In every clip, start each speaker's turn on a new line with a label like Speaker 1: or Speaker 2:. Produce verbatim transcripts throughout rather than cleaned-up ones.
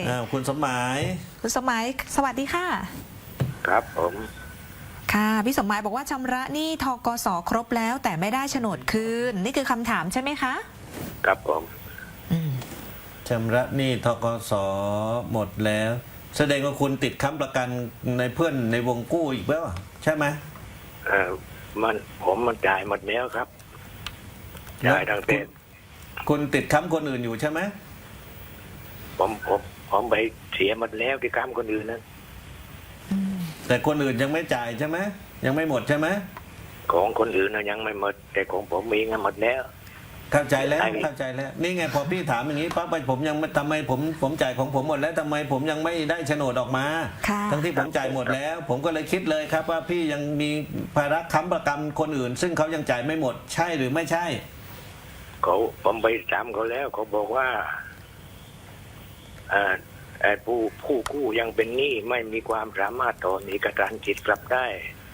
Speaker 1: อ้าวคุณสมหมาย
Speaker 2: คุณสมหมายสวัสดีค่ะ
Speaker 3: ครับผม
Speaker 2: ค่ะพี่สมหมายบอกว่าชำระหนี้ธกสครบแล้วแต่ไม่ได้โฉนดคืนนี่คือคำถามใช่ไหมคะ
Speaker 3: ครับผม
Speaker 1: ชำระหนี้ธกสหมดแล้วแสดงว่าคุณติดค้ำประกันในเพื่อนในวงกู้อีกแล้วใช่ไหม
Speaker 3: เออมันผมมันจ่ายหมดแล้วครับจ่ายทั้งเต็ม
Speaker 1: คุณติดค้ำคนอื่นอยู่ใช่ไหม
Speaker 3: ผมผมผมไปเสียหมดแล้วที่ค้ำคนอื่นนั้น
Speaker 1: แต่คนอื่นยังไม่จ่ายใช่ไหมยังไม่หมดใช่ไหม
Speaker 3: ของคนอื่นนะยังไม่หมดแต่ของผมมีเงินหมดแล้ว
Speaker 1: เข้าใจแล้วเข้าใจแล้วนี่ไงพอพี่ถามอย่างนี้ปั๊บไปผมยังทำไมผมผมจ่ายของผมหมดแล้วทำไมผมยังไม่ได้โฉนดออกมาทั้งที่ผมจ่ายหมดแล้วผมก็เลยคิดเลยครับว่าพี่ยังมีภาระค้ำประกันคนอื่นซึ่งเขายังจ่ายไม่หมดใช่หรือไม่ใช่
Speaker 3: เขาผมไปถามเขาแล้วเขาบอกว่าอ่าไอ้ผู้ผู้กู้ยังเป็นหนี้ไม่มีความสามารถต่อเอกสารสิทธิ์กลับได้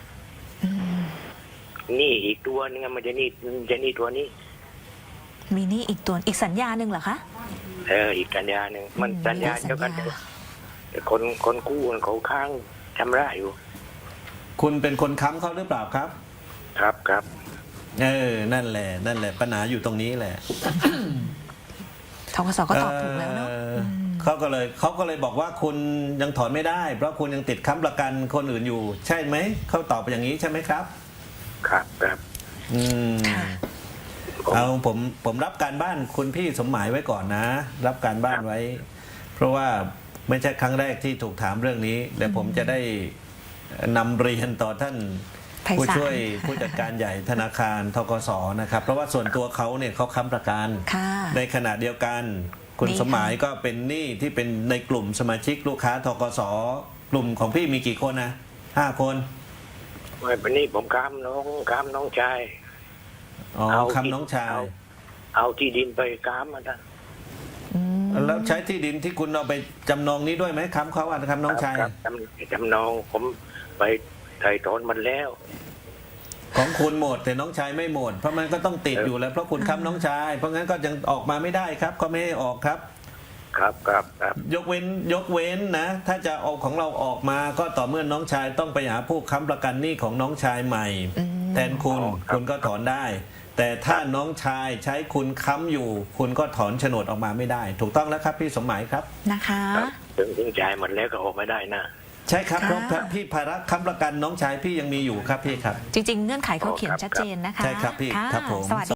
Speaker 3: หนี้อีกตัวนึงมันจะหนี้จะหนี้ตัวนี้
Speaker 2: มีหนี้อีกตัวอีกสัญญาหนึ่งเหรอคะ
Speaker 3: เอออีกสัญญาหนึ่งมันสัญญาเดียวกันแต่คนคนกู้เขาค้างชำระอยู่
Speaker 1: คุณเป็นคนค้ำเขาหรือเปล่าครับ
Speaker 3: ครับครับ
Speaker 1: เออนั่นแหละนั่นแหละปัญหาอยู่ตรงนี้แหละ
Speaker 2: ธกสก็ตอบถูกแล้วเนาะ
Speaker 1: เขาก็เลยเขาก็เลยบอกว่าคุณยังถอนไม่ได้เพราะคุณยังติดค้ำประกันคนอื่นอยู่ใช่ไหมเขาตอบอย่างนี้ใช่ไหมครับ
Speaker 3: ครับครับ
Speaker 1: อืมเอาผมผมรับการบ้านคุณพี่สมหมายไว้ก่อนนะรับการบ้านไว้ เพราะว่าไม่ใช่ครั้งแรกที่ถูกถามเรื่องนี้แต่ผมจะได้นำเรียนต่อท่านผู้ช่วยผู้จัดการใหญ่ธนาคารธกสนะครับเพราะว่าส่วนตัวเขาเนี่ยเขาค้ำประกันในขณะเดียวกันคุณสมหมายก็เป็นหนี้ที่เป็นในกลุ่มสมาชิกลูกค้าธกสกลุ่มของพี่มีกี่คนนะห้าคน
Speaker 3: ไม่เป็นนี่ผมค้ำน้องค้ำน้องชาย
Speaker 1: อ๋อค้ำน้องชาย
Speaker 3: เอาที่ดินไปค้ำมาท่าน
Speaker 1: แล้วใช้ที่ดินที่คุณเอาไปจำนองนี้ด้วยไหมค้ำเขาอ่ะค้ำน้องชาย
Speaker 3: จำจำนองผมไปไถ่ถอนมันแล้ว
Speaker 1: ของคุณหมดแต่น้องชายไม่หมดเพราะมันก็ต้องติดอยู่แล้วเพราะคุณค้ำน้องชายเพราะงั้นก็ยังออกมาไม่ได้ครับก็ไม่ให้ออกครับ
Speaker 3: ครับครับครับ
Speaker 1: ยกเว้นยกเว้นนะถ้าจะเอาของเราออกมาก็ต่อเมื่อน้องชายต้องไปหาผู้ค้ำประกันหนี้ของน้องชายใหม่แทนคุณคุณก็ถอนได้แต่ถ้าน้องชายใช้คุณค้ำอยู่คุณก็ถอนโฉนดออกมาไม่ได้ถูกต้องแล้วครับพี่สมหมายครับ
Speaker 2: นะคะ
Speaker 3: ถึงถึงจ่ายหมดแล้วก็ออกไม่ได้นะ
Speaker 1: ใช่ครับเพราะพี่ภาระค้ำประกันน้องชายพี่ยังมีอยู่ครับพี่ครับ
Speaker 2: จริงๆเงื่อนไขเขาเขียนชัดเจนนะคะ
Speaker 1: ใช่ครับพี่ครับผม